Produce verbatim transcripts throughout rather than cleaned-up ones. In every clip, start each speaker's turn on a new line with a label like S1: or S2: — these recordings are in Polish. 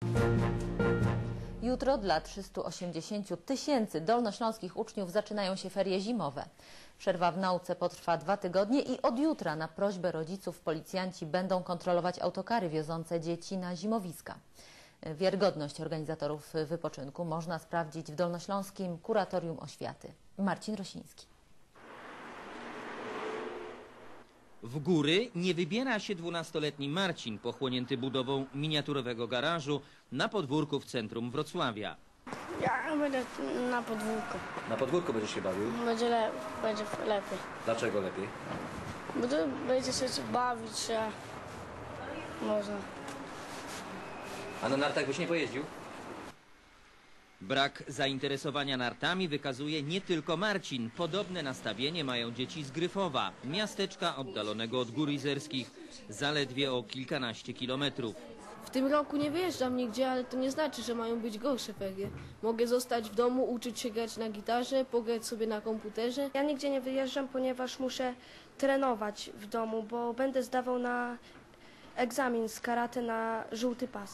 S1: Jutro dla trzystu osiemdziesięciu tysięcy dolnośląskich uczniów zaczynają się ferie zimowe. Przerwa w nauce potrwa dwa tygodnie i od jutra na prośbę rodziców policjanci będą kontrolować autokary wiozące dzieci na zimowiska. Wiarygodność organizatorów wypoczynku można sprawdzić w Dolnośląskim Kuratorium Oświaty. Marcin Rosiński.
S2: W góry nie wybiera się dwunastoletni Marcin, pochłonięty budową miniaturowego garażu na podwórku w centrum Wrocławia.
S3: Ja będę na podwórku.
S4: Na podwórku będziesz się bawił?
S3: Będzie, le będzie lepiej.
S4: Dlaczego lepiej?
S3: Bo tu będzie się bawić się można.
S4: A na nartach byś nie pojeździł?
S2: Brak zainteresowania nartami wykazuje nie tylko Marcin. Podobne nastawienie mają dzieci z Gryfowa, miasteczka oddalonego od Gór Izerskich zaledwie o kilkanaście kilometrów.
S5: W tym roku nie wyjeżdżam nigdzie, ale to nie znaczy, że mają być gorsze ferie. Mogę zostać w domu, uczyć się grać na gitarze, pograć sobie na komputerze.
S6: Ja nigdzie nie wyjeżdżam, ponieważ muszę trenować w domu, bo będę zdawał na egzamin z karate na żółty pas.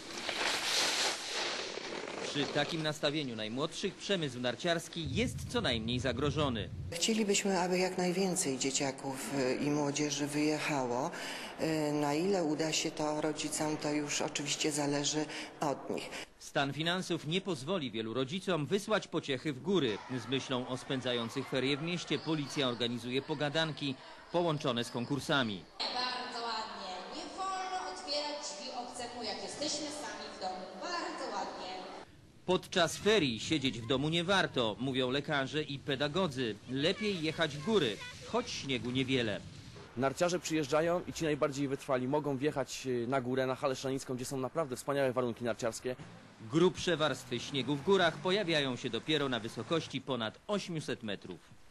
S2: Przy takim nastawieniu najmłodszych przemysł narciarski jest co najmniej zagrożony.
S7: Chcielibyśmy, aby jak najwięcej dzieciaków i młodzieży wyjechało. Na ile uda się to rodzicom, to już oczywiście zależy od nich.
S2: Stan finansów nie pozwoli wielu rodzicom wysłać pociechy w góry. Z myślą o spędzających ferie w mieście policja organizuje pogadanki połączone z konkursami.
S8: Bardzo ładnie. Nie wolno otwierać drzwi obcemu, jak jesteśmy sami w domu. Bardzo ładnie.
S2: Podczas ferii siedzieć w domu nie warto, mówią lekarze i pedagodzy. Lepiej jechać w góry, choć śniegu niewiele.
S9: Narciarze przyjeżdżają i ci najbardziej wytrwali mogą wjechać na górę, na Halę Szlanicką, gdzie są naprawdę wspaniałe warunki narciarskie.
S2: Grubsze warstwy śniegu w górach pojawiają się dopiero na wysokości ponad ośmiuset metrów.